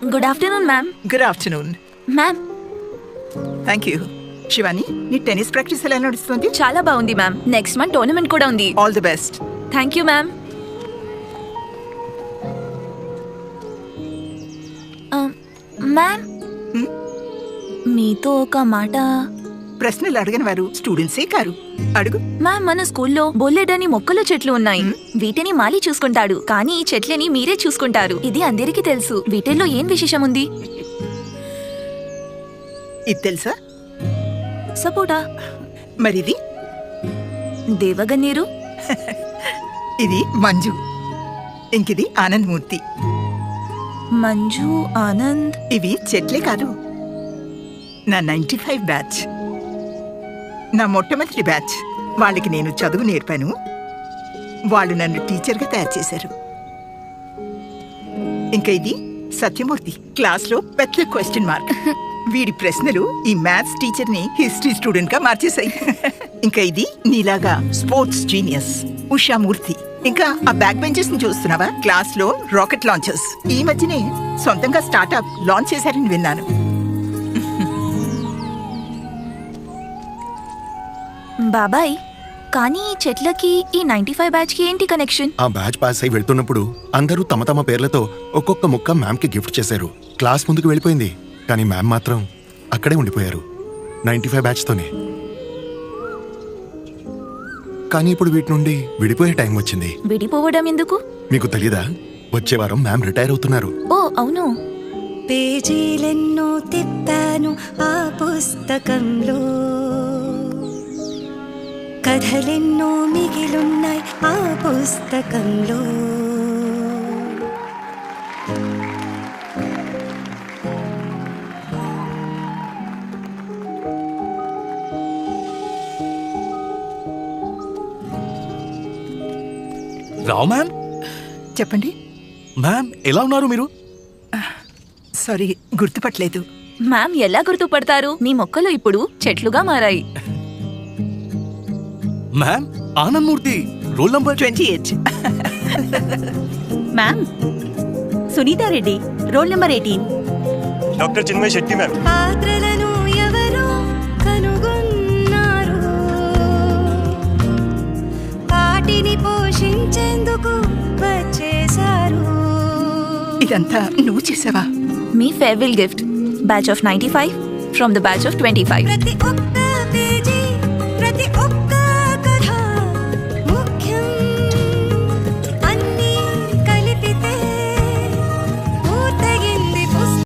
Good afternoon ma'am. Good afternoon ma'am. Thank you. Shivani, నీ tennis practice ఎలా నడుస్తుంది? చాలా బాగుంది మ్యామ్. నెక్స్ట్ మంత్ టోర్నమెంట్ కూడా ఉంది. All the best. Thank you ma'am. Ma'am, మీతో ఒక మాట. ప్రశ్నలు అడిగిన వారు స్టూడెంట్సే కారు. అడుగు. మ్యామ్, మన స్కూల్లో బోలెడని మొక్కలు చెట్లు ఉన్నాయి. వీటిని మాలి చూసుకుంటాడు, కానీ ఈ చెట్లని మీరే చూసుకుంటారు. ఇది అందరికీ తెలుసు. వీటిల్లో ఏం విశేషం ఉంది? ఇది తెలుసా? సపోటా. మరిది? దేవగన్నేరు. ఇది మంజు. ఇంకిది ఆనంద్ మూర్తి. మంజు, ఆనంద్. ఇవి చెట్లే కాదు, నా 95 బ్యాచ్. నా మొట్టమొదటి బ్యాచ్. వాళ్ళకి నేను చదువు నేర్పాను. వాళ్ళు నన్ను టీచర్గా తయారు చేశారు. ఇంకా ఇది సత్యమూర్తి. క్లాస్లో పెద్ద క్వశ్చన్ మార్క్. వీడి ప్రశ్నలు ఈ మ్యాథ్స్ టీచర్ని హిస్టరీ స్టూడెంట్గా మార్చేశాయి. ఇంకా ఇది నీలాగా స్పోర్ట్స్ జీనియస్ ఉషామూర్తి. ఇంకా ఆ బ్యాక్ బెంచెస్ ని చూస్తున్నావా? క్లాస్ లో రాకెట్ లాంచర్స్. ఈ మధ్యనే సొంతంగా స్టార్ట్అప్ లాంచ్ చేశారని విన్నాను. బాబాయ్, కానీ ఈ చెట్లకి ఈ 95 బ్యాచ్ కి ఏంటి కనెక్షన్? ఆ బ్యాచ్ పాస్ అయి వెళ్తున్నప్పుడు అందరూ తమ తమ పేర్లతో ఒక్కొక్క ముక్క మ్యామ్ కి గిఫ్ట్ చేశారు. క్లాస్ ముందుకు వెళ్ళిపోయింది, కానీ మ్యామ్ మాత్రం అక్కడే ఉండిపోయారు 95 బ్యాచ్ తోనే. కానీ ఇప్పుడు వీటి నుండి విడిపోయే టైం వచ్చింది. విడిపోవడం ఎందుకు? మీకు తెలీదా? వచ్చే వారం మ్యామ్ రిటైర్ అవుతున్నారు. ఓ అవును. పేజీలెన్నో తిప్పాను ఆ పుస్తకంలో, కథలెన్నో మిగిలున్నాయి ఆ పుస్తకంలో. రావు మ్యామ్. చెప్పండి మ్యామ్, ఎలా ఉన్నారు మీరు? సారీ, గుర్తుపట్టలేదు. మ్యామ్ ఎలా గుర్తుపడతారు? మీ మొక్కలు ఇప్పుడు చెట్లుగా మారాయి. Ma'am, Anand Murthy, roll number 28. Ma'am, Sunitha Reddy, roll number 18. Doctor Chinmay Shetty ma'am. పాత్రలను ఎవరో కనుగొన్నారు, వాటిని పోషించేందుకు వచ్చేశారు. ఇదంతా నువ్వు చేసావా? మీ farewell gift, batch of 95 from the batch of 25. ప్రతి ఒక్క